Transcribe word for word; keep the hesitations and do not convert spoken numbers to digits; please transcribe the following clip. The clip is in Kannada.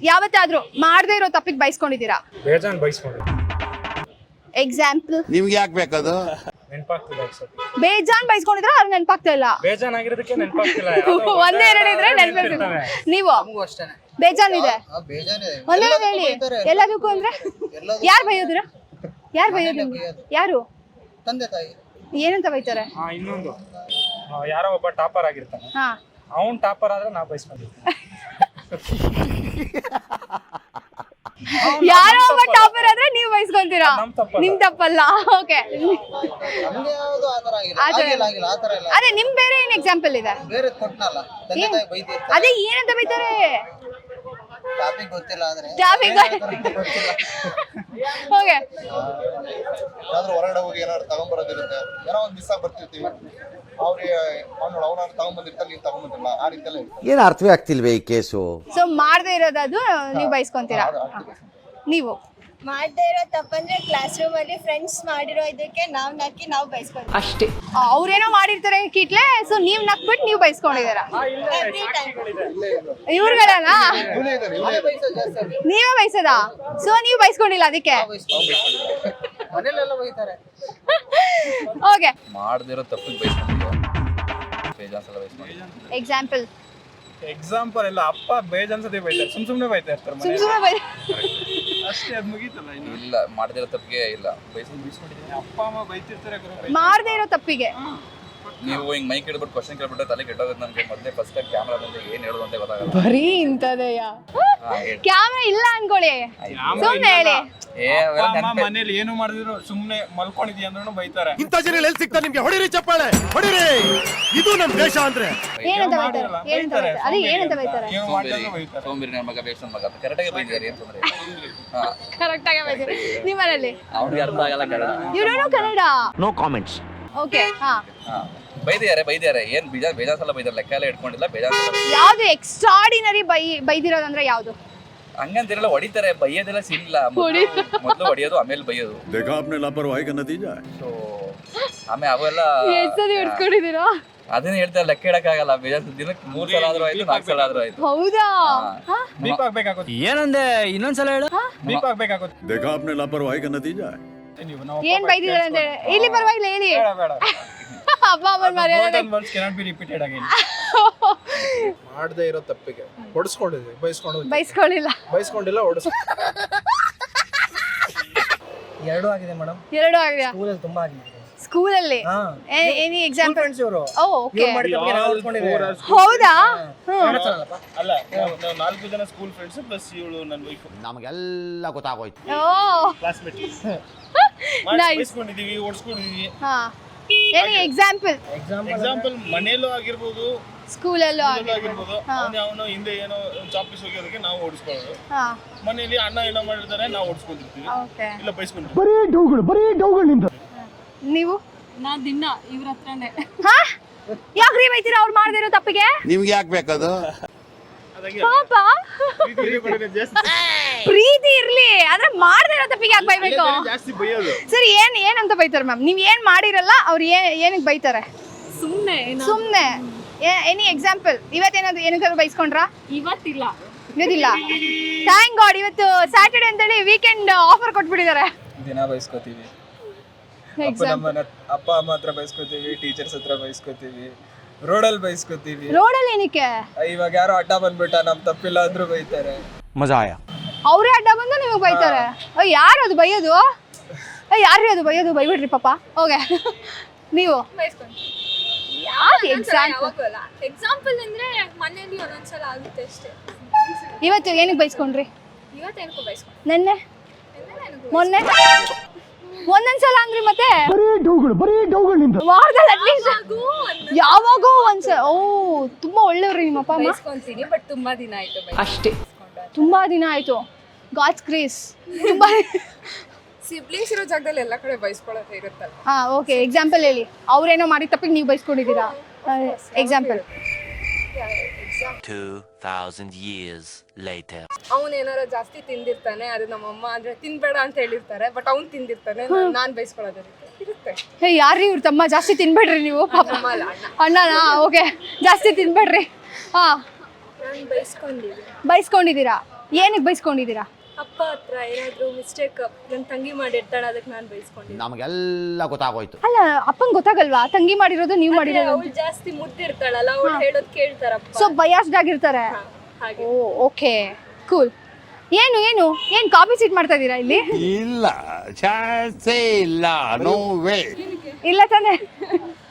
ಯಾವತ್ತಾದ್ರೂ ಮಾಡದೇ ಇರೋ ತಪ್ಪಿಗೆ ಬೈಸ್ಕೊಂಡಿದ್ದೀರಾ? ಬೇಜಾನ್ ಬೈಸ್ಕೊಂಡಿದ್ದೀನಿ. ಎಕ್ಸಾಂಪಲ್ ನಿಮ್ಗೆ ಯಾಕೆ ಬೇಕದು? ನೆನಪಾಗ್ತಿಲ್ಲ ಅನ್ಸುತ್ತೆ. ಬೇಜಾನ್ ಬೈಸ್ಕೊಂಡಿದ್ರ ಅವ್ರು ನೆನಪಾಗ್ತಾ ಇಲ್ಲ. ಬೇಜಾನ್ ಆಗಿರೋದಕ್ಕೆ ನೆನಪಾಗ್ತಿಲ್ಲ. ಒಂದೇ ಎರಡು ಇದ್ರೆ ನೆನಪಿರ್ತದೆ. ನೀವು ಬೇಜಾನ್ ಇದೆ ಒಂದೇ ಹೇಳಿ ಎಲ್ಲದಕ್ಕೂ ಅಂದ್ರೆ ಯಾರು ಬೈಯೋದ್ರ? ಯಾರು ಬೈಯೋದು? ಯಾರು? ತಂದೆ ತಾಯಿ. ಏನಂತ ಬೈತಾರೆ? ಹಾ ಇನ್ನೊಂದು ಯಾರೋ ಒಬ್ಬ ಟಾಪರ್ ಆಗಿರ್ತಾನೆ. ಹಾ ಅವ್ನ್ ಟಾಪರ್ ಆದ್ರೆ ನಾ ಬೈಸ್ಕೊಂಡಿದ್ದೀನಿ. ಯಾರೋ ಒಬ್ಬ ಟಾಪರ್ ಆದ್ರೆ ನೀವು ಬೈಸ್ಕೊಂತೀರಾ? ನಿಮ್ ತಪ್ಪಲ್ಲ. ಓಕೆ ನಮ್ಗೆ ಯಾವ್ದು ಆತರ ಆಗಿಲ್ಲ. ಆಗಿಲ್ಲ ಆಗಿಲ್ಲ ಆತರ ಇಲ್ಲ. ಅದೇ ನಿಮ್ ಬೇರೆ ಏನ್ ಎಕ್ಸಾಂಪಲ್ ಇದೆ? ಬೇರೆ ಕೊಟ್ನಲ್ಲ ತಂದೆ ತಾಯಿ ಬೈದಿರ್ತಾರೆ. ಅದೇ ಏನಂತ ಬೈತಾರೆ? ಟಾಪಿಕ್ ಗೊತ್ತಿಲ್ಲ ಆದ್ರೆ ಟಾಪಿಕ್ ಗೊತ್ತಿಲ್ಲ. ಓಕೆ ಯಾವ್ದಾದ್ರು ಹೊರಗಡೆ ಹೋಗಿ ಏನಾದ್ರು ತಗೊಂಡ್ಬರೋದಿರುತ್ತೆ. ಏನೋ ಒಂದ್ ದಿವಸ ಬರ್ತಿರ್ತೀವಿ ಅವ್ರಿಗೆ ಅವ್ನು ಅವನಾದ್ರು ತಗೊಂಡ್ಬಂದಿರ್ತಾರೆ, ನೀವು ತಗೊಂಡ್ಬಂದಿರಲ್ಲ. ಆ ರೀತಿ ಎಲ್ಲ ಇರ್ತದೆ. ಏನು ಅರ್ಥವೇ ಆಗ್ತಿಲ್ವೇ ಈ ಕೇಸು? ಸೊ ಮಾಡದೇ ಇರೋದದು ನೀವು ಬೈಸ್ಕೊಂತೀರಾ? ನೀವು ಮಾಡದೇ ಇರೋ ತಪ್ಪಂದ್ರೆ ಕ್ಲಾಸ್ ರೂಮ್ ಅಲ್ಲಿ ಫ್ರೆಂಡ್ಸ್ ಮಾಡಿರೋ ಇದಕ್ಕೆ ನಾವ್ ನಕ್ಕಿ ನಾವ್ ಬೈಸ್ಕೊಂತೀವಿ ಅಷ್ಟೇ. ಅವ್ರೇನೋ ಮಾಡಿರ್ತಾರೆ ಕಿಟ್ಲೆ, ಸೊ ನೀವ್ ನಕ್ಬಿಟ್ಟು ನೀವು ಬೈಸ್ಕೊಂಡಿದ್ದೀರಾ? ಇವ್ರುಗಳಲ್ಲ ನೀವೇ ಬೈಸದ? ಸೊ ನೀವು ಬೈಸ್ಕೊಂಡಿಲ್ಲ ಅದಕ್ಕೆ? ಮನೇಲೆಲ್ಲ ಬೈತಾರೆ. ಓಕೆ ಮಾಡದಿರೋ ತಪ್ಪಿಗೆ ಬೈಸ್ಕೊಂಡಿದ್ದೀವಿ. ಬೇಜಾನ್ ಸಲ ಬೈಸ್ಕೊಂಡಿದ್ದೀವಿ. ಎಕ್ಸಾಂಪಲ್ ಎಕ್ಸಾಂಪಲ್ ಎಲ್ಲ ಅಪ್ಪ ಬೇಜಾನ್ ಸತಿ ಬೈತಾರೆ. ಸುಮ್ ಸುಮ್ನೆ ಬೈತಾ ಇರ್ತಾರೆ. ಸುಮ್ ಸುಮ್ಮನೆ ಬೈ ಅಷ್ಟೇ, ಅದು ಮುಗೀತಲ್ಲ. ಇಲ್ಲ ಮಾಡದಿರೋ ತಪ್ಪಿಗೆ ಇಲ್ಲ ಬೈಸ್ಕೊಂಡು ಬೈಸ್ಕೊಂಡಿದ್ದೀನಿ. ಅಪ್ಪ ಅಮ್ಮ ಬೈತಿರ್ತಾರೆ. ಮಾಡದೇ ಇರೋ ತಪ್ಪಿಗೆ ನೀವು ಹಿಂಗ್ ಮೈಕ್ ಹಿಡ್ಬಿಟ್ಟು ಕ್ವಶನ್ ಕೇಳ್ಬಿಟ್ರೆ ತಲೆ ಕೆಟ್ಟೋಗುತ್ತೆ ನನ್ಗೆ. ಮೊದಲೇ ಫಸ್ಟ್ ಟೈಮ್ ಕ್ಯಾಮ್ರಾ ಬಂದ್ರೆ ಏನ್ ಹೇಳೋದು ಅಂತ ಗೊತ್ತಾಗಲ್ಲ. ಬರೀ ಇಂತದೆಯ ಕ್ಯಾಮ್ರಾ ಇಲ್ಲ ಅನ್ಕೊಳ್ಳಿ, ಸುಮ್ನೆ ಹೇಳಿ. ಏ ಅಮ್ಮ ಮನೇಲಿ ಏನು ಮಾಡಿದ್ರು ಸುಮ್ನೆ ಮಲ್ಕೊಂಡಿದ್ಯಾ ಅಂದ್ರೂ ಬೈತಾರೆ. ಇಂಥ ಜನ ಎಲ್ಲಿ ಸಿಗ್ತಾರೆ ನಿಮ್ಗೆ? ಹೊಡಿರಿ ಚಪ್ಪಾಳೆ ಹೊಡಿರಿ. ಇದು ನಮ್ ದೇಶ ಅಂದ್ರೆ ಏನಂತ ಬೈತಾರೆ? ಏನಂತ ಬೈತಾರೆ? ಅದೇ ಏನಂತ ಬೈತಾರೆ? ಸೋಂಬೇರಿ ನನ್ನ ಮಗ ಬೇಷನ್ ಮಗ ಅಂತ ಕರೆಕ್ಟಾಗಿ ಬೈದಿದ್ದಾರೆ. ಏನ್ ತೊಂದ್ರೆ ಇಲ್ಲ. ಕರೆಕ್ಟ್ ಆಗಿ ಬೈತಾರೆ. ನಿಮ್ಮನೇಲಿ ಅವ್ರಿಗೆ ಅರ್ಥ ಆಗಲ್ಲ Kannada. You don't know Kannada? No comments. Okay ಹಾ ಬೈದಿದ್ದಾರೆ ಬೈದಿದ್ದಾರೆ ಏನ್ ಬೇಜಾನ್ ಬೇಜಾನ್ ಸಲ ಬೈದಾರೆ. ಲೆಕ್ಕ ಎಲ್ಲ ಇಟ್ಕೊಂಡಿಲ್ಲ. ಬೇಜಾನ್ ಸಲ ಯಾವ್ದು ಎಕ್ಸ್ಟ್ರಾರ್ಡಿನರಿ ಬೈ ಬೈದಿರೋದಂದ್ರೆ ಯಾವ್ದು? ಹಂಗಂತಿರಲ್ಲ, ಹೊಡಿತಾರೆ. ಬೈಯೋದೆಲ್ಲ ಸಿಲ್ಲ. ಮೊದಲು ಹೊಡಿಯೋದು ಆಮೇಲೆ ಬೈಯೋದು. ಸೊ ಆಮೇಲೆ ಅವೆಲ್ಲ ಎಷ್ಟದಿ ಹಿಡ್ಕೊಂಡಿದ್ದೀರಾ? ಅದನ್ನ ಹೇಳ್ತಾರೆ. ಲೆಕ್ಕ ಇಡಕ್ಕಾಗಲ್ಲ. ಬೇಜಾನ್ ದಿನಕ್ಕೆ ಮೂರ್ ಸಲ ಆದ್ರೂ ಆಯ್ತು, ನಾಲ್ಕು ಸಲ ಆದ್ರೂ ಆಯ್ತು. ಹೌದಾ? ಬೀಪ್ ಆಗ್ಬೇಕಾಗುತ್ತೆ. ಏನಂದೆ ಇನ್ನೊಂದ್ಸಲ ಹೇಳು. ಬೀಪ್ ಆಗ್ಬೇಕಾಗುತ್ತೆ. ಏನ್ ಬೈದಿದ್ದಾರೆ ಅಂತ ಇಲ್ಲಿ ಪರವಾಗಿಲ್ಲ ಹೇಳಿ. ಬೇಡ ಅಪ್ಪ ಅಮ್ಮನ ಮರ್ಯಾದೆ ಕೆನಾಟ್ ಬಿ ರಿಪೀಟೆಡ್ ಅಗೇನ್. ಮಾಡದೇ ಇರೋ ತಪ್ಪಿಗೆ ಹೊಡಿಸ್ಕೊಂಡಿದ್ವಿ. ಬೈಸ್ಕೊಂಡು ಬೈಸ್ಕೊಳ್ಳಿಲ್ಲ. ಬೈಸ್ಕೊಂಡಿಲ್ಲ, ಹೊಡಿಸ್. ಎರಡು ಆಗಿದೆ ಮೇಡಮ್. ಎರಡು ಆಗಿದೆ ಸ್ಕೂಲಲ್ಲಿ ತುಂಬಾ ಆಗಿದೆ. ಸ್ಕೂಲಲ್ಲಿ ಎನಿ ಎಕ್ಸಾಂಪಲ್? ಫ್ರೆಂಡ್ಸ್ ಇವರು ಓ ಓಕೆ ಹೌದಾ? ಅಲ್ಲ, ನಾವು ನಾಲ್ಕು ಜನ ಸ್ಕೂಲ್ ಫ್ರೆಂಡ್ಸ್ ಪ್ಲಸ್ ಇವಳು ನನ್ನ ವೈಫ್. ನಮಗೆಲ್ಲ ಗೊತ್ತಾಗೋಯ್ತು. ಓ ಕ್ಲಾಸ್ಮೇಟ್. ನೈಸ್. ಬೈಸ್ಕೊಂಡಿದೀವಿ, ಓಡಿಸ್ಕೊಂಡಿದೀವಿ. ಹಾ ಎನಿ ಎಕ್ಸಾಂಪಲ್? ಎಕ್ಸಾಂಪಲ್ ಮನೇಲೂ ಆಗಿರ್ಬೋದು, ಸ್ಕೂಲಲ್ಲೂ ಆಗಿರ್ಬೋದು. ಅವನು ಅವನು ಹಿಂದೆ ಏನೋ ಚಾಪೀಸ್ ಹೋಗೋದಕ್ಕೆ ನಾವು ಓಡಿಸ್ಕೊಳ್ಳೋದು. ಹಾ ಮನೇಲಿ ಅಣ್ಣ ಏನೋ ಮಾಡಿರ್ತಾರೆ, ನಾವು ಓಡಿಸ್ಕೊಂಡಿರ್ತೀವಿ. ಓಕೆ ಇಲ್ಲ ಬೈಸ್ಕೊಂಡಿರ್ತೀವಿ. ಬರೀ ಡೌಗಳು ಬರೀ ಡೌಗಳು ನಿಂದ. ನೀವು? ನಾ ದಿನ ಇವ್ರ ಹತ್ರನೇ. ಹಾ ಯಾಕ್ರಿ ಬೈತೀರಾ ಅವ್ರು ಮಾಡದೇ ಇರೋ ತಪ್ಪಿಗೆ? ನಿಮ್ಗೆ ಯಾಕೆ ಬೇಕದು? ಪಾಪ ಪ್ರೀತಿ ಇರ್ಲಿ ಆದ್ರೆ ಮಾಡದೇ ಇರೋ ತಪ್ಪಿಗೆ ಯಾಕೆ ಬೈಬೇಕು? ಜಾಸ್ತಿ ಬೈಯೋದು. ಸರಿ ಏನ್ ಏನಂತ ಬೈತಾರೆ ಮ್ಯಾಮ್? ನೀವ್ ಏನ್ ಮಾಡಿರಲ್ಲ ಅವ್ರು ಏನ್ ಏನಕ್ಕೆ ಬೈತಾರೆ? ಸುಮ್ನೆ ಸುಮ್ನೆ. Any example? ಇವತ್ತೇನಾದ್ರು ಏನಕ್ಕಾದ್ರು ಬೈಸ್ಕೊಂಡ್ರಾ? ಇವತ್ತಿಲ್ಲ. ಇವತ್ತಿಲ್ಲ. ಥ್ಯಾಂಕ್ ಗಾಡ್ ಇವತ್ತು ಸ್ಯಾಟರ್ಡೆ ಅಂತೇಳಿ ವೀಕೆಂಡ್ ಆಫರ್ ಕೊಟ್ಬಿಟ್ಟಿದ್ದಾರೆ. ದಿನ ಬೈಸ್ಕೋತೀವಿ. ಅಪ್ಪ ಅಮ್ಮ ಹತ್ರ ಬೈಸ್ಕೋತೀವಿ, ಟೀಚರ್ಸ್ ಹತ್ರ ಬೈಸ್ಕೋತೀವಿ, ರೋಡಲ್ಲಿ ಬೈಸ್ಕೋತೀವಿ. ರೋಡಲ್ಲಿ ಏನಕ್ಕೆ? ಇವಾಗ ಯಾರೋ ಅಡ್ಡ ಬಂದ್ಬಿಟ್ಟ ನಮ್ ತಪ್ಪಿಲ್ಲ ಅಂದ್ರೂ ಬೈತಾರೆ. ಮಜಾ ಆಯಾ. ಅವರೇ ಅಡ್ಡ ಬಂದು ನಿಮಗೆ ಬೈತಾರೆ. ಅಯ್ಯ ಯಾರು ಅದು ಬೈಯೋದು? ಅಯ್ಯ ಯಾರ್ರಿ ಅದು ಬೈಯೋದು? ಬೈಬಿಡ್ರಿ ಪಾಪ. ಓಕೆ ನೀವು? ಯಾಕೆ ಎಕ್ಸಾಂಪಲ್? ಎಕ್ಸಾಂಪಲ್ ಅಂದ್ರೆ ಮನೇಲಿ ಒಂದೊಂದ್ಸಲ ಆಗುತ್ತೆ ಅಷ್ಟೇ. ಇವತ್ತು ಏನಕ್ಕೆ ಬೈಸ್ಕೊಂಡ್ರಿ? ಇವತ್ತೇನಕ್ಕೂ ಬೈಸ್ಕೊಂಡು. ನೆನ್ನೆ ಮೊನ್ನೆ ಒಂದೊಂದ್ಸಲ ಅಂದ್ರಿ ಮತ್ತೆ? ಬರೀ ಡೌಗಳು ಬರೀ ಡೌಗಳು ನಿಂದ. ವಾರದಲ್ಲಿ ಅಟ್ಲೀಸ್ಟ್ ಯಾವಾಗೋ ಒಂದ್ಸಲ. ಓ ತುಂಬಾ ಒಳ್ಳೆಯವ್ರಿ ನಿಮ್ಮ ಅಪ್ಪ ಅಮ್ಮ. ಬೈಸ್ಕೊಂತೀನಿ ಬಟ್ ತುಂಬಾ ದಿನ ಆಯ್ತು. ಅಷ್ಟೇ. ತುಂಬಾ ದಿನ ಆಯ್ತು. God's grace. ತುಂಬಾ ಸಿಬ್ಲಿಂಗ್ಸ್ ಇರೋ ಜಾಗದಲ್ಲಿ ಎಲ್ಲ ಕಡೆ ಬೈಸ್ಕೊಳ್ಳೋದೇ ಇರುತ್ತಲ್ಲ. ಹಾ ಓಕೆ ಎಕ್ಸಾಂಪಲ್ ಹೇಳಿ. ಅವ್ರೇನೋ ಮಾಡಿ ತಪ್ಪಿಗೆ ನೀವು ಬೈಸ್ಕೊಂಡಿದ್ದೀರಾ? Example? two thousand years later. ಅವ್ನು ಏನಾರ ಜಾಸ್ತಿ ತಿಂದಿರ್ತಾನೆ, ಅದು ನಮ್ಮಮ್ಮ ಅಂದ್ರೆ ತಿನ್ಬೇಡ ಅಂತ ಹೇಳಿರ್ತಾರೆ, ಬಟ್ ಅವ್ನು ತಿಂದಿರ್ತಾನೆ, ನಾನ್ ಬೈಸ್ಕೊಳ್ಳೋದು ಇರುತ್ತೆ. ಹೇ ಯಾರ್ರಿ ಇವ್ರ ತಮ್ಮ? ಜಾಸ್ತಿ ತಿನ್ಬೇಡ್ರಿ ನೀವು ಪಾಪ. ಅಣ್ಣನಾ? ಓಕೆ ಜಾಸ್ತಿ ತಿನ್ಬೇಡ್ರಿ. ಹಾ ನಾನು ಬೈಸ್ಕೊಂಡಿದ್ದೀನಿ. ಬೈಸ್ಕೊಂಡಿದ್ದೀರಾ? ಏನಕ್ಕೆ ಬೈಸ್ಕೊಂಡಿದ್ದೀರಾ? ಅಪ್ಪ ಹತ್ರ ಏನಾದ್ರು ಮಿಸ್ಟೇಕ್ ನನ್ನ ತಂಗಿ ಮಾಡಿರ್ತಾಳೆ ಅದಕ್ಕೆ ನಾನು ಬೈಸ್ಕೊಂಡಿದ್ದೆ. ನಮಗೆಲ್ಲ ಗೊತ್ತಾಗೋಯ್ತು. ಅಲ್ಲ ಅಪ್ಪಂಗೆ ಗೊತ್ತಾಗಲ್ವಾ ತಂಗಿ ಮಾಡಿರೋದು ನೀವು ಮಾಡಿರೋದು? ಅವಳು ಜಾಸ್ತಿ ಮುದ್ದಿರ್ತಾಳಲ್ಲ, ಅವಳು ಹೇಳೋದು ಕೇಳ್ತಾರಪ್ಪ. ಸೊ ಬಯಾಸ್ಡ್ ಆಗಿರ್ತಾರೆ. ಹಾಗೆ. Oh okay cool. ಏನು ಏನು ಏನು ಕಾಪಿ ಸೀಟ್ ಮಾಡ್ತಾ ಇದ್ದೀರಾ ಇಲ್ಲಿ? ಇಲ್ಲ ಚಾನ್ಸೇ ಇಲ್ಲ, ನೋ ವೇ. ಇಲ್ಲ ತಾನೇ?